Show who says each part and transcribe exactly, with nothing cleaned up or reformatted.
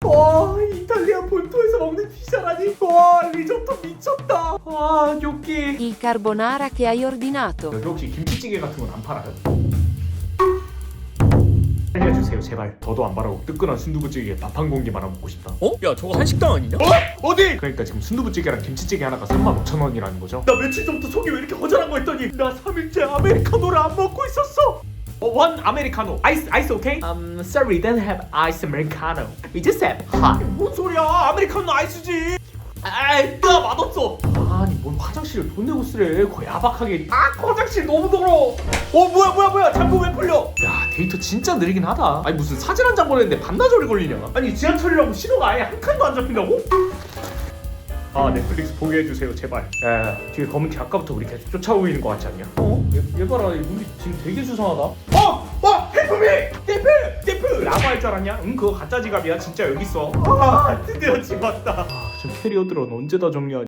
Speaker 1: 와, 이탈리아 본토에서 먹는 피자라니. 와, 리조또 미쳤다. 와, 여기
Speaker 2: Il carbonara che hai ordinato.
Speaker 1: 여기 혹시 김치찌개 같은 건 안 팔아요? 알려주세요 제발. 저도 안 바라고 뜨끈한 순두부찌개에 밥 한 공기 말아 먹고 싶다.
Speaker 3: 어? 야 저거 한식당 아니냐?
Speaker 1: 어? 어디? 그러니까 지금 순두부찌개랑 김치찌개 하나가 삼만 오천 원이라는 거죠? 나 며칠 전부터 속이 왜 이렇게 허전한 거 했더니 나 삼 일째 아메리카노를 안 먹고 있었어. 어, one 아메리카노. 아이스 아이스 오케이? Um, sorry, don't have ice americano. We just have hot. 뭔 소리야? 아메리카노 아이스지. 아이, 나 맛없어. 아니, 뭔 화장실을 돈 내고 쓰래. 거의 야박하게. 아, 화장실 너무 더러워. 어, 뭐야, 뭐야, 뭐야. 잠금 왜 풀려? 야, 데이터 진짜 느리긴 하다. 아니, 무슨 사진 한 장 보냈는데 반나절이 걸리냐? 아니, 지하철이라고 신호가 아예 한 칸도 안 잡힌다고? 아, 넷플릭스 보게 해주세요, 제발. 야, 뒤에 검은 티 아까부터 우리 계속 쫓아오고 있는 거 같지 않냐? 어? 얘, 얘 봐라, 우리 지금 되게 수상하다. 어! 어! 헬프미! 데프! 데프! 라고 할 줄 알았냐? 응, 그거 가짜 지갑이야. 진짜 여기 있어. 아, 드디어 집왔다. 아, 저 캐리어 들은 언제 다 정리하냐?